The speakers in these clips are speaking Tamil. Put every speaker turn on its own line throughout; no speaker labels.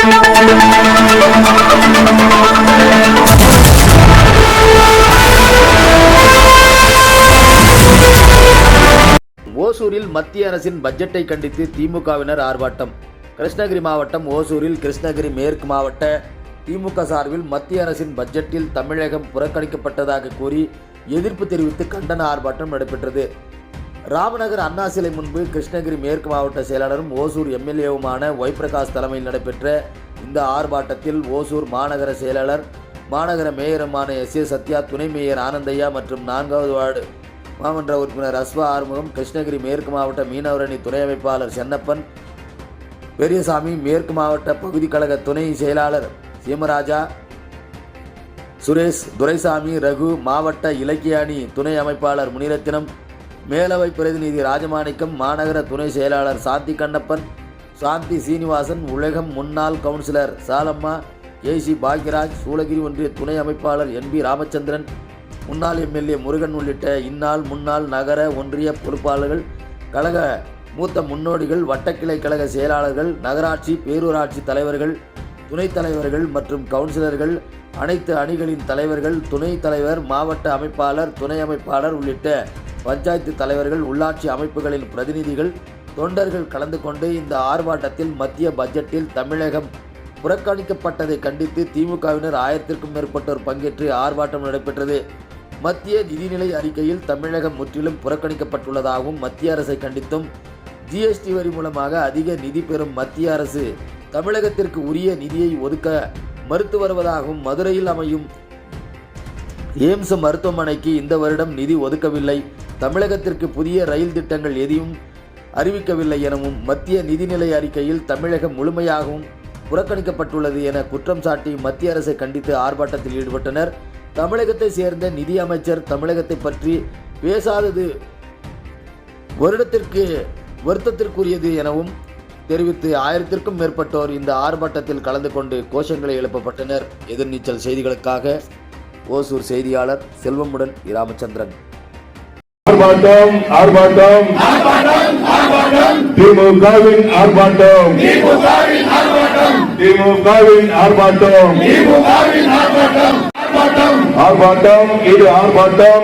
ஓசூரில் மத்திய அரசின் பட்ஜெட்டை கண்டித்து திமுகவினர் ஆர்ப்பாட்டம். கிருஷ்ணகிரி மாவட்டம் ஓசூரில் கிருஷ்ணகிரி மேற்கு மாவட்ட திமுக சார்பில் மத்திய அரசின் பட்ஜெட்டில் தமிழகம் புறக்கணிக்கப்பட்டதாக கூறி எதிர்ப்பு தெரிவித்து கண்டன ஆர்ப்பாட்டம் நடைபெற்றது. ராமநகர் அண்ணா சிலை முன்பு கிருஷ்ணகிரி மேற்கு மாவட்ட செயலாளரும் ஓசூர் எம்எல்ஏவுமான ஒய் பிரகாஷ் தலைமையில் நடைபெற்ற இந்த ஆர்ப்பாட்டத்தில் ஓசூர் மாநகர செயலாளர், மாநகர மேயருமான எஸ்.ஏ. சத்யா, துணை மேயர் ஆனந்தையா மற்றும் 4வது வார்டு மாமன்ற உறுப்பினர் அஸ்வா ஆறுமுகம், கிருஷ்ணகிரி மேற்கு மாவட்ட மீனவரணி துணை அமைப்பாளர் சென்னப்பன் பெரியசாமி, மேற்கு மாவட்ட பகுதி கழக துணை செயலாளர் சீமராஜா, சுரேஷ், துரைசாமி, ரகு, மாவட்ட இலக்கிய அணி துணை அமைப்பாளர் முனிரத்தினம், மேலவை பிரதிநிதி ராஜமாணிக்கம், மாநகர துணை செயலாளர் சாந்தி கண்ணப்பன், சாந்தி சீனிவாசன், உலகம் முன்னாள் கவுன்சிலர் சாலம்மா, ஏசி பாக்யராஜ், சூளகிரி ஒன்றிய துணை அமைப்பாளர் என்பி ராமச்சந்திரன், முன்னாள் எம்எல்ஏ முருகன் உள்ளிட்ட இந்நாள் முன்னாள் நகர ஒன்றிய பொறுப்பாளர்கள், கழக மூத்த முன்னோடிகள், வட்டக்கிளை கழக செயலாளர்கள், நகராட்சி பேரூராட்சி தலைவர்கள், துணைத் தலைவர்கள் மற்றும் கவுன்சிலர்கள், அனைத்து அணிகளின் தலைவர்கள், துணைத் தலைவர், மாவட்ட அமைப்பாளர், துணை அமைப்பாளர் உள்ளிட்ட பஞ்சாயத்து தலைவர்கள், உள்ளாட்சி அமைப்புகளின் பிரதிநிதிகள், தொண்டர்கள் கலந்து கொண்டு இந்த ஆர்ப்பாட்டத்தில் மத்திய பட்ஜெட்டில் தமிழகம் புறக்கணிக்கப்பட்டதை கண்டித்து திமுகவினர் 1000க்கும் மேற்பட்டோர் பங்கேற்று ஆர்ப்பாட்டம் நடைபெற்றது. மத்திய நிதிநிலை அறிக்கையில் தமிழகம் முற்றிலும் புறக்கணிக்கப்பட்டுள்ளதாகவும், மத்திய அரசை கண்டித்தும் ஜிஎஸ்டி வரி மூலமாக அதிக நிதி பெறும் மத்திய அரசு தமிழகத்திற்கு உரிய நிதியை ஒதுக்க மறுத்து வருவதாகவும், மதுரையில் அமையும் எய்ம்ஸ் மருத்துவமனைக்கு இந்த வருடம் நிதி ஒதுக்கவில்லை, தமிழகத்திற்கு புதிய ரயில் திட்டங்கள் எதையும் அறிவிக்கவில்லை எனவும், மத்திய நிதிநிலை அறிக்கையில் தமிழகம் முழுமையாகவும் புறக்கணிக்கப்பட்டுள்ளது என குற்றம் சாட்டி மத்திய அரசை கண்டித்து ஆர்ப்பாட்டத்தில் ஈடுபட்டனர். தமிழகத்தை சேர்ந்த நிதி அமைச்சர் தமிழகத்தை பற்றி பேசாதது வருத்தத்திற்குரியது எனவும் தெரிவித்து 1000க்கும் மேற்பட்டோர் இந்த ஆர்ப்பாட்டத்தில் கலந்து கொண்டு கோஷங்களை எழுப்பப்பட்டனர். எதிர்நீச்சல் செய்திகளுக்காக ஓசூர் செய்தியாளர் செல்வமுடன் ராமச்சந்திரன்.
ஆர்ப்பாட்டம் ஆர்ப்பாட்டம் திமுகவின் ஆர்ப்பாட்டம் திமுகவின் ஆர்ப்பாட்டம் ஆர்ப்பாட்டம் இது ஆர்ப்பாட்டம்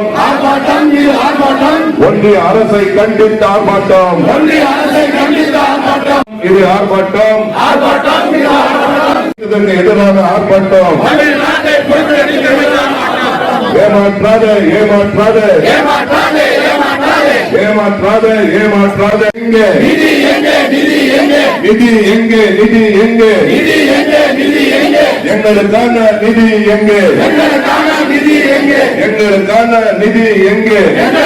ஒன்றிய அரசை கண்டித்த ஆர்ப்பாட்டம் இது ஆர்ப்பாட்டம் இதற்கு எதிரான ஆர்ப்பாட்டம். ஏமாற்றாதே ஏமாற்றாதே ஏமாற்றாதே ஏமாற்றாதே எங்கே நிதி எங்கே நிதி எங்கே நிதி எங்கே நிதி எங்கே எங்களுக்கான நிதி எங்கே எங்களுக்கான நிதி எங்கே எங்களுக்கான நிதி எங்கே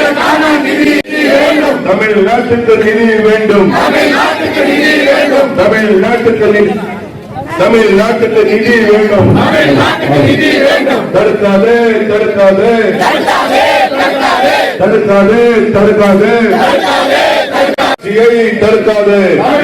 தமிழ்நாட்டுக்கு நிதி வேண்டும் தமிழ்நாட்டுக்கு நிதி வேண்டும் தடுக்காதே தடுக்காதே தடுக்காதே தடுக்காதே தடுக்காதே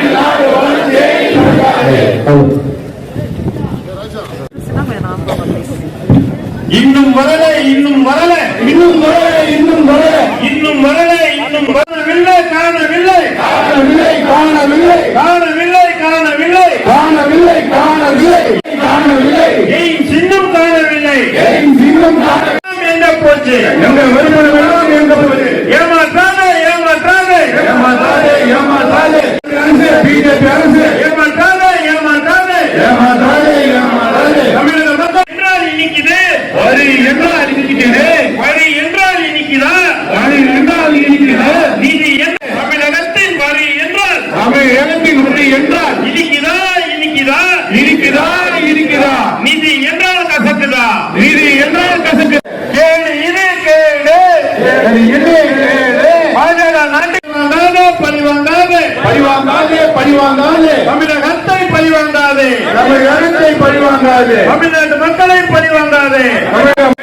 இன்னும் வரல இன்னும் வரல இன்னும் வரல இன்னும் வரல இன்னும் வரல இன்னும் வரவில்லை காணவில்லை காணவில்லை காணவில்லை காணவில்லை காணவில்லை காணவில்லை காணவில்லை காணவில்லை ஏன் சின்னம் காணவில்லை ஏன் சின்னம் எங்க போச்சு எங்க வருமானம் எல்லாம் எங்க போச்சு ஏமாற்றாதே ஏமாற்றாதே ஏமாற்றாதே ஏமாற்றாதே பிஜேபி அரசு ஏமாற்றாதே ஏமாற்றாதே ஏமாற்றாதே ஏமாற்றாதே தமிழக மக்கள் என்றால் இன்னைக்குது வரி என்றால் இன்னைக்குது வரி என்றால் இன்னைக்குதா வரி என்றால் இன்னைக்குது நிதி என்ன தமிழகத்தின் வரி என்றால் தமிழகத்தின் வரி என்றால் இன்னைக்குதா இன்னைக்குதா இருக்குதா இருக்குதா நிதி என்றால் கசக்குதா நிதி என்றால் கசக்கு கேடு இது கேடு இது கேடு பாஜக நாட்டுக்கு வாங்காதே பழிவாங்காதே பழிவாங்காதே பழிவாங்காதே தமிழகத்தை பழிவாங்காதே தமிழகத்தை பழிவாங்காதே தமிழ்நாட்டு மக்களை பழிவாங்காதே